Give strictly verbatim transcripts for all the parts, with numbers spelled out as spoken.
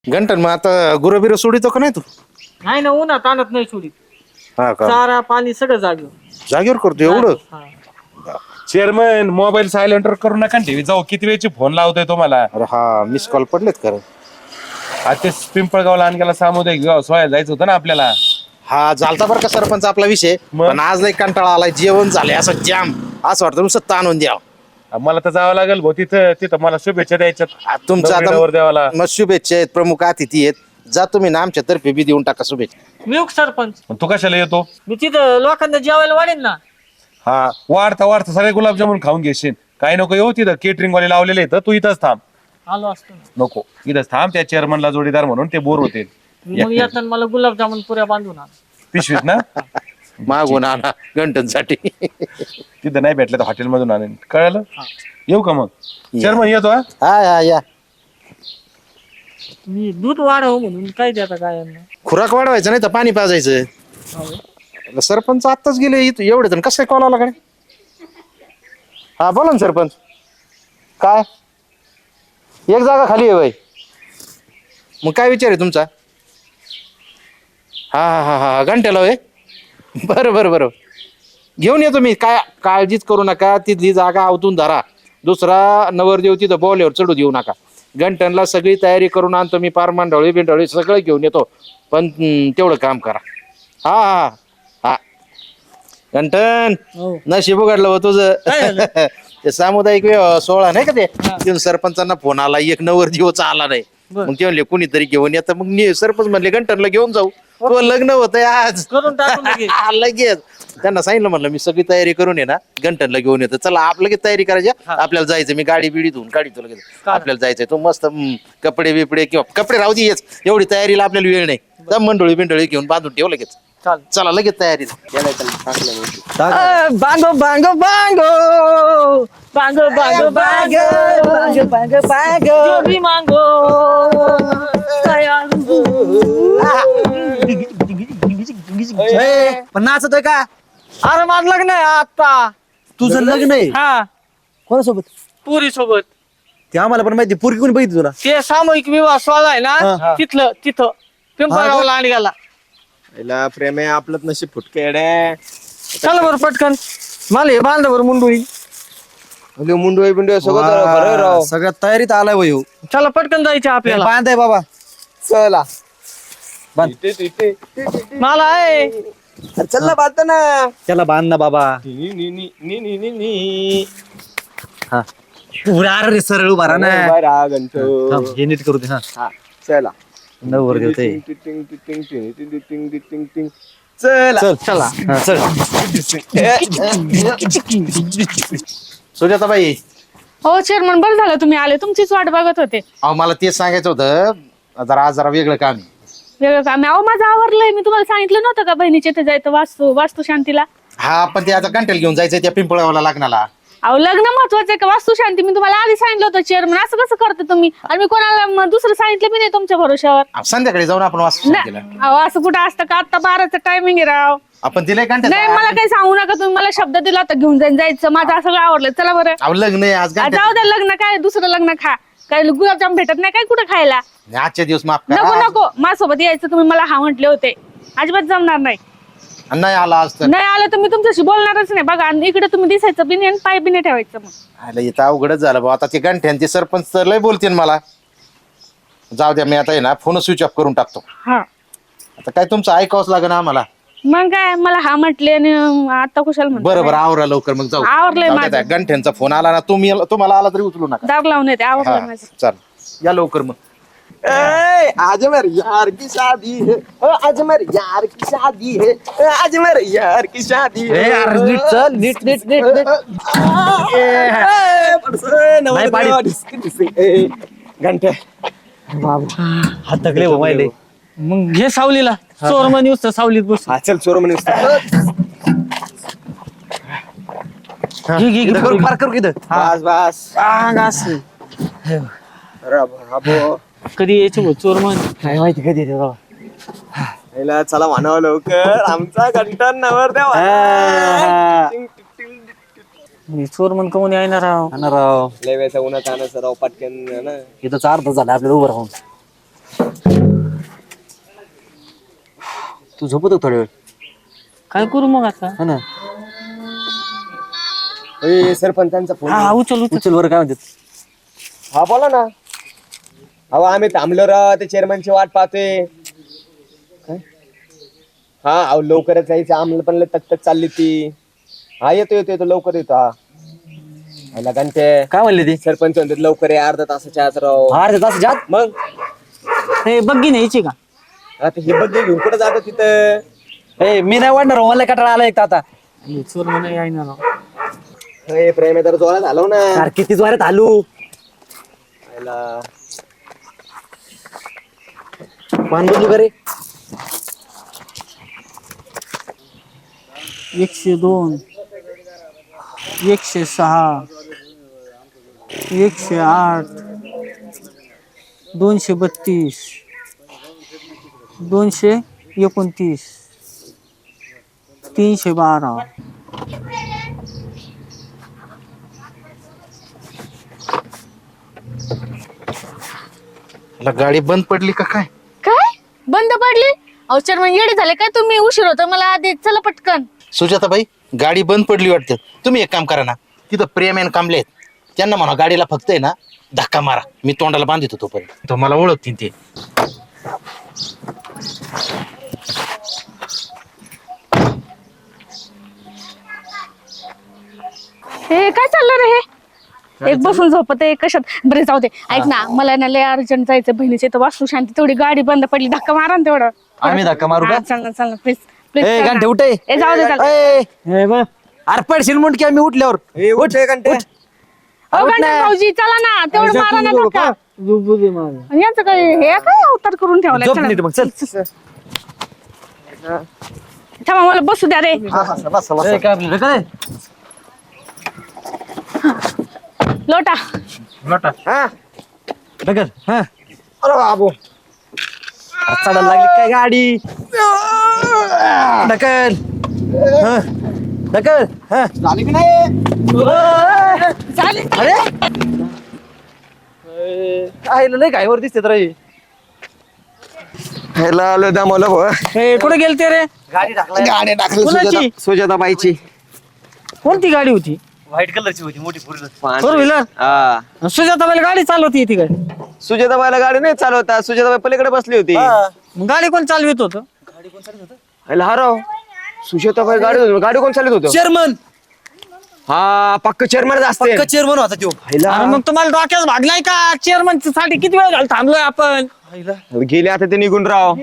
घंटन मग आता गुरबिर सोडितो का नाही तू? नाही ना, उन्हात आणत नाही सोडीत. हा का चारा पाणी सगळं जागेवर. जागेवर करतो एवढं? हा. चेअरमन मोबाईल सायलेंटवर करू नका टीव्ही जाऊ किती वेळची फोन लावतोय तुम्हाला. अरे हा मिस कॉल पडलेत खरं. आता ते पिंपळगावला आणखीला सामुदायिक विवाह सोहळ्यात जायचं होतं ना आपल्याला. हा झालता बरं का सरपंच आपला विषय, मग? पण आज लय कंटाळा आलाय, जेवण झालंय असं जाम, असं वाटतं नुसतं ताणून द्यावं. मला तर जावं लागेल भाऊ तिथं तिथं मला शुभेच्छा द्यायच्यात. तुमचा नवरी देवाला. आता मग शुभेच्छा आहेत, प्रमुख अतिथी आहेत, जा तुम्ही ना आमच्या तर्फे बी देऊन टाका शुभेच्छा. मी सरपंच. तू कशाला येतो? मी तिथं लोकांना जेवायला वाढेन ना. हा वाढता वाढता सगळे गुलाबजामुन खाऊन घेशील. काही नको येऊ तिथं केटरिंग वाले लावलेले आहेत, तू इथंच थांब. आलो असतो ना. नको इथंच थांब, त्या चेअरमनला जोडीदार म्हणून ते बोर होते. मग येताना मला गुलाबजामुन पुऱ्या बांधून आण. पिशवीत ना मागून आणा घंटनसाठी. तिथं नाही भेटलं तर हॉटेल मधून आणेन, कळलं? येऊ का मग? चेअरमन येतो हा. हा हा या मी दूध वाढव म्हणून काय देता गायांना. खुराक वाढवायचं नाही तर पाणी पाजायचं. सरपंच आत्ताच गेले इथं एवढे जण कसं काय कॉल आला कडे? हा बोला ना सरपंच. काय एक जागा खाली आहे बाई? मग काय विचार आहे तुमचा? हा हा हा हा घंट्याला होय. बरं बरं बरं घेऊन येतो मी, काय काळजीच करू नका. तिथली जागा आवतून धरा, दुसरा नवरदेव तिथं बॉलेवर चढू देऊ नका. घंटनला सगळी तयारी करून आणतो मी, पार मांडवळी बिंडवळी सगळं घेऊन येतो, पण हम्म, तेवढं काम करा. हा हा हा घंटन हो. नशीब उघडलं हो तुझं. काय झालं? ते सामुदायिक विवाह सोहळा नाही का ते, तिथून सरपंचांना फोन आला, एक नवरदेवच आला नाही. बरं. मग ते म्हणले कुणीतरी घेऊन येतं, मग नि- सरपंच म्हणले घंटनला घेऊन जाऊ. तो लग्न होतंय आज. करून टाकून लगेच. हा, लगेच त्यांना सांगितलं, म्हणलं मी सगळी तयारी करून ये ना घंटनला घेऊन येतो. चला आप लगेच तयारी करायची, आपल्याला जायचं. मी गाडी बिडी धुवून काढतो लगेच, आपल्याला जायचंय. तो मस्त हम्म, कपडे बिपडे किंवा कपडे राहू दे, येच एवढी तयारीला आपल्याला वेळ नाही. जा मंडोळी बिंडोळी घेऊन बांधून ठेव लगेच. चालेल. चला लगेच तयारी. बांगो बांगो बांगो बांगो बांगो बांगो बांगो बांगो बांगो जो भी मांगो पण नाचतोय का? अरे माझं लग्न आहे आता. तुझं लग्न आहे हा, कोणासोबत? पुरी सोबत. ते आम्हाला पण माहिती, पोरगी कोणी बघितली तुला? ते सामूहिक विवाह सोहळा आहे ना, हा. तिथलं तिथं पिंपळगावला आणि गेला. पहिला प्रेम आहे आपलं, नशीब फुटके. चला बरं पटकन, मला हे बांधा बरं मुंडुळी. मुंडू बिंडू सगळं सगळ्यात तयारीत आलाय वय. चला पटकन जायचं आपल्याला. बांधाय बाबा, चला मला आहे. चल ना, बांधता ना. त्याला बांध ना बाबा. हा उभा रे, सरळ उभा राहा ना. थांब, हे नीट करू दे. हा चला नवर देवते. चल चला. हा, चल. सुजाताबाई, हो चेअरमन, बरं झालं तुम्ही आले, तुमचीच वाट बघत होते. अहो मला तेच सांगायचं होतं, जरा आज जरा वेगळं काम आहे. वेगळं काम आहे? अहो माझं आवरलंय, मी तुम्हाला सांगितलं नव्हतं का बहिणीच्या इथे जायचं वास्तू वास्तू शांतीला. हा पण ते आता घंटेल घेऊन जायचंय त्या पिंपळावाला लग्नाला. अहो लग्न महत्वाचं आहे का वास्तू शांती? मी तुम्हाला आधी सांगितलं होतं चेअरमन, असं कसं करता तुम्ही? आणि मी कोणाला म- दुसरं सांगितलं बी नाही तुमच्या भरोश्यावर. अहो, संध्याकाळी जाऊन आपण वास्तू नाही, केला. अहो असं कुठं असतं का? आता बाराचं टायमिंग आहे राव. आपण तिला नाही मला काही सांगू नका तुम्ही, मला शब्द दिला होता घेऊन जाईन जायचं. माझं सगळं आवडलं. चला बरं. अहो लग्न आहे आज आ, घंट्यात. जाऊ द्या, लग्न काय दुसरं लग्न खा. काय गुलाबजाम भेटत नाही काय कुठं खायला? आजच्या दिवस माफ नको करा. नको, माझ्यासोबत यायचं तुम्ही, मला हा म्हटले होते. अजिबात जमणार नाही. नाही आला आज तर नाही आलं तर मी तुमच्याशी बोलणारच नाही. बघा आणि इकडे तुम्ही दिसायचं बी नाही आणि पाय बी नाही ठेवायचं. मग आलं इथं अवघडच झालं भाऊ. आता ते गंठ्यान ते सरपंच तर लय बोलतील मला. जाऊ द्या, मी आता आहे ना फोन स्विच ऑफ करून टाकतो. हा, आता काय तुमचं ऐकावंच लागेल आम्हाला. मग काय मला हा म्हटले आणि आता कुशाल म्हणतो. बरं बरं आवरा लवकर मग जाऊ. आवरलंय जाऊ द्या, माझं. त्या गंठ्यांचा फोन आला ना, तुम्ही तुम्हाला आला तरी उचलू नका. दार लावून येते. आवडलं हा, माझं. चल या लवकर मग. आज मेरे यार की शादी है, आज मेरे यार की शादी है, आज मेरे यार की शादी है. नीट चल, नीट नीट नीट नीट. घंटे हात थकले हो माहिले. मग घे सावलीला. चोर म्हणे नुसतं सावलीत बस. हा चल चोर म्हणे घे घे घे करू पार करू किती. बस बस. आ, घास. राबो कधी यायचं भाऊ चोर म्हण. काय माहिती कधी येते बाबा. चला म्हणावं लवकर, आमचा घंटा नवर द्या. चोर म्हण कोण येणार राव. राव लय वेळचा उन्हात आणायचं राव पटकन ना. इथं चार तास झाला आपल्याला उभं राहून. तू झोपतो थोड्या वेळ काय करू मग आता हा ना ए, सरपंचांचा फोन हा उचल उचल उचल बरं काय म्हणतात हा बोला ना. अहो आम्ही थांबलो राव ते चेअरमनची वाट पाहतोय. काय हा अहो लवकरच जायचं आम्हाला पण लय तक चालली ती. हा येतो येतो येतो लवकर येतो. हा आला घंटे काय म्हणले ते सरपंच म्हणतात लवकर आहे अर्धा तासाच्या आत राव. अर्ध्या तास जात मग हे बग्गी न्यायची का आता हे बघ घेऊन कुठं जातो तिथं. ए मी नाही वाढणार मला कटाळा आला एक तर आता चोर म्हणा यायना राव. हे प्रेम आहे तर जोरात झालो ना. यार किती जोरात आलू आयला. मान बदलू का रे एकशे दोन एकशे सहा एकशे आठ दोनशे बत्तीस दोनशे एकोणतीस तीनशे बारा मला गाडी बंद पडली का काय? काय बंद पडली? अहो चेअरमन येडे झाले काय तुम्ही? उशीर होतो मला आधी, चला पटकन. सुजाताबाई गाडी बंद पडली वाटतं. तुम्ही एक काम करा ना, तिथं प्रेम आणि कांबले आहेत त्यांना म्हणा गाडीला फक्त आहे ना धक्का मारा. मी तोंडाला बांधित होतो पण तो मला ओळखतील ते. हे काय चाललं रे? हे एक बसून झोपत आहे कशात. बरे जाऊ दे, ऐक ना मला ना लय अर्जंट जायचं बहिणीचे तर वास्तू शांती तेवढी गाडी बंद पडली धक्का मारा ना तेवढं. आम्ही धक्का मारू का हा, चल ना चल ना प्लीज प्लीज. ए घंटे उठ ए. ए जाऊ दे चल. ए, ए बा अरे पडशील म्हणून की आम्ही उठल्यावर ए, उठ रे घंटे. अहो गंठन भाऊजी चला ना तेवढं मारा ना धक्का. आणि यांचं काय हे काय अवतार करून ठेवलाय. झोप चला. नीट मग चल थांबा मला बसू द्या रे. ए, काय आपलं काय लोटा. हा ढकल हा अरे बाबू चढायला लागली काय गाडी ढकल हा ढकल हा झाली की नाही. चालेल. अरे काय लय गायवर दिसते तर ह्याला आलो दमवलं भाऊ. हे कुठे गेलते रे? गाडी टाकला गाडी टाकली कोणाची? सुजाता सुजाताबाईची. कोणती गाडी होती? व्हाईट कलरची होती मोठी फोर फोर व्हीलर. हा सुजाताबाईला गाडी चालवती ती काय? सुजाताबाईला गाडी नाही चालवता. सुजाताबाई पलीकडे बसली होती. मग गाडी कोण चालवित होत? ह्याला हराव सुजाताबाई गाडी गाडी कोण चालत होतं? चेअरमन हा पक्क चेअरमन असते. चेअरमन होता तो अरे मग तुम्हाला डोक्यात भागलाय का? चेअरमन साठी किती वेळ झाला थांबलोय आपण. गेले आता ते निघून राव.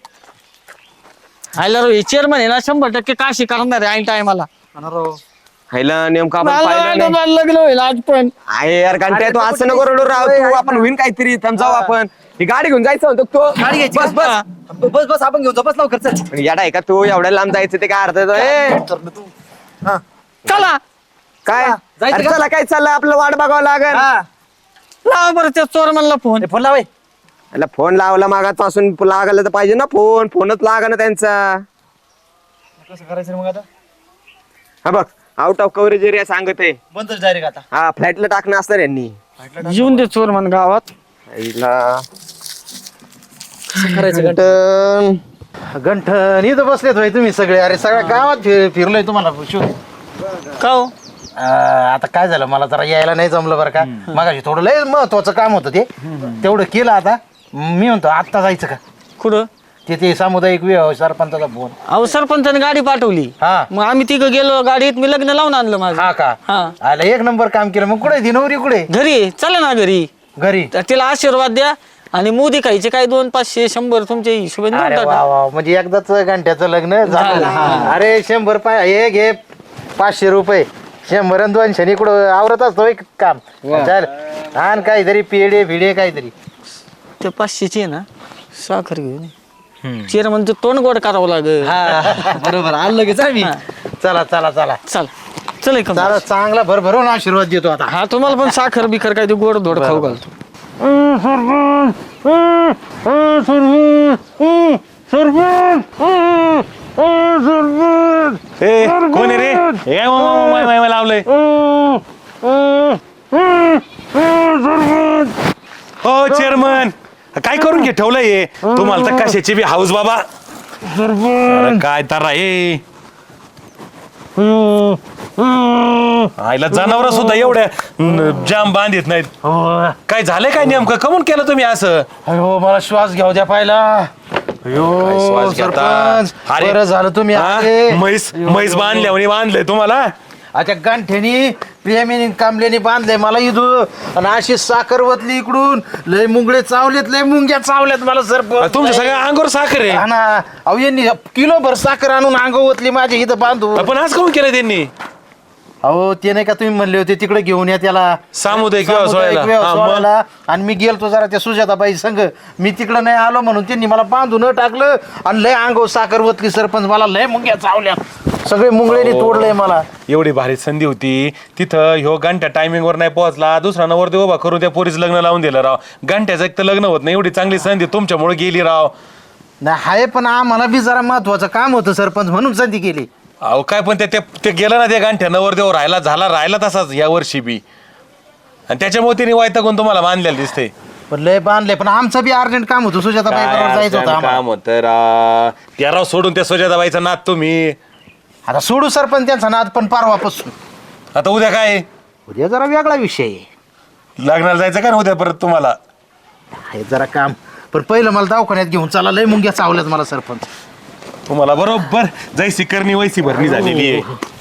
हायला रो चेअरमन आहे ना शंभर टक्के काशी करणार आहे ऐन टायमाला. ह्याला नेमकं आपण पाहिलं नाही. लग्न होईल आज पण. आहे यार घंट्या तू असं नको रडू राव. तू आपण होईन काहीतरी थांब जाऊ आपण. ही गाडी घेऊन जायचं म्हणतो तो. गाडी घ्यायची बस बस बस बस बस आपण घेऊन जाऊ बस लवकर चल पण येडा आहे का तू? एवढ्या लांब जायचं ते काय अर्थ येतो? ए, चला काय जायचं अरे का? चला काय चाललंय आपलं वाट बघावं लागेल. लावा बरं त्या चोरमनला फोन. फोन लावाय याला फोन लावला मागापासून लागायला तर पाहिजे ना. फोन फोनच लागा ना त्यांचा. कसं करायचं मग आता हा बघ आउट ऑफ कव्हरेज एरिया सांगत आहे. बंदच डायरेक्ट आता हा फ्लॅटला टाकणं असणार यांनी. येऊन दे चोरमन गावात. आईला. करायचं घंटन. गंठन इथं बसलेत भाई तुम्ही सगळे. अरे सगळ्या गावात फि- फिरलोय तुम्हाला शोध. का हो? अं, आता काय झालं मला जरा यायला नाही जमलं बरं का. मगाशी थोडं लय महत्वाचं काम होतं ते तेवढं केलं. आता मी म्हणतो आत्ता जायचं का कुठं? ते ते सामुदायिक विवाह सरपंचाचा फोन. अहो सरपंचाने गाडी पाठवली. हा मग आम्ही तिघं गेलो गाडीत. मी लग्न लावून आणलं माझं. हा का हा आला एक नंबर काम केलं. मग कुठे ती नवरी कुठे? घरी चला ना घरी. घरी. तर तिला आशीर्वाद द्या आणि मोदी खायचे काय दोन पाचशे शंभर तुमच्या हिशोबाने देऊन अरे टाका. वा वा म्हणजे एकदाच घंट्याचं लग्न झालं. झालं, हा. अरे शंभर पाय हे घे पाचशे रुपये. शंभर आणि दोनशे इकडं आवरत असतो एक काम. चल आण काहीतरी पेढे भिडे काहीतरी. त्या पाचशेची आहे ना साखर घेऊन ये. चेअरमन ते तोंड गोड करावं लागेल. बरोबर आलं लगेच आम्ही चला चला चला चल चल एक चला चांगला भरभरून आशीर्वाद देतो आता. हा तुम्हाला पण साखर बिखर काय ते गोड धोड खाऊ घालतो. ए, कोण आहे रे? हे काय मा- मा- मा- मा- मा- लावलंय हो चेअरमन काय करून घे ठेवलंय हे? तुम्हाला तर कशाची बी हाऊस बाबा. अरे काय तर ए आईला जनावर सुद्धा एवढ्या न, जाम बांधित नाहीत. काय झालंय काय नेमकं कमून केलं तुम्ही असं? अयो मला श्वास घ्याव द्या पाहिला. काय अयो श्वास घेता? सरपंच अरे, बरं झालं तुम्ही हा? आले. म्हैस म्हैस बांधल्या म्हणे बांधलंय तुम्हाला. आता गांठ्यानी प्रेमीने कामल्याने बांधले मला इथू आणि अशी साखर वतली इकडून लय मुंगळे चावलेत लय मुंग्या चावल्यात मला सरपंच. तुमच्या सगळ्या अंगावर साखर आहे. हा ना अहो यांनी किलो भर साखर आणून अंग ओतली माझ्या इथं बांधू. पण आज काऊन केलं त्यांनी? अहो ते नाही का तुम्ही म्हणले होते तिकडे घेऊन या त्याला सामुदायिक व्यवसायाला. सामुदायिक हा, मग? व्यवसायाला. आणि मी गेलतो जरा त्या सुजाताबाई संघ मी तिकडे नाही आलो म्हणून त्यांनी मला बांधून टाकलं आणि लय अंगावर साखर वतली सरपंच मला लय मुंग्या चावल्यात सगळे मुंगळेने तोडलंय मला. एवढी भारी संधी होती तिथं ह्यो घंट्या टायमिंग वर नाही पोहोचला दुसरा नवरदेव उभा करून त्या पोरीचं लग्न लावून दिलं राव. घंट्याचं एक तर लग्न होत नाही एवढी चांगली संधी तुमच्यामुळे गेली राव. नाही हाय पण आम्हाला बी जरा महत्वाचं काम होतं सरपंच म्हणून संधी केली. अहो काय पण ते ते- ते गेलं ना ते गांठ्या नवरदेव राहिला झाला राहिला तसाच या वर्षी बी आणि त्याच्यामुळे तिने वैतागून तुम्हाला बांधलेलं दिसते. पण लय बांधले पण आमचं बी अर्जंट काम होतं सुजाताबाई बरोबर जायचं होतं आम्हाला. काम होतं राव. त्या राव सोडून त्या सुजाताबाईचा नाद तुम्ही. आता सोडू सरपंच त्यांचा नाद पण परवापासून. आता उद्या काय उद्या जरा वेगळा विषय आहे. लग्नाला जायचं का ना उद्या परत तुम्हाला? आहे जरा काम पण पहिलं मला दवाखान्यात घेऊन चला लय मुंग्या चावल्यात मला सरपंच. तुम्हाला बरोबर जैसी करणी वैसी भरणी झालेली आहे.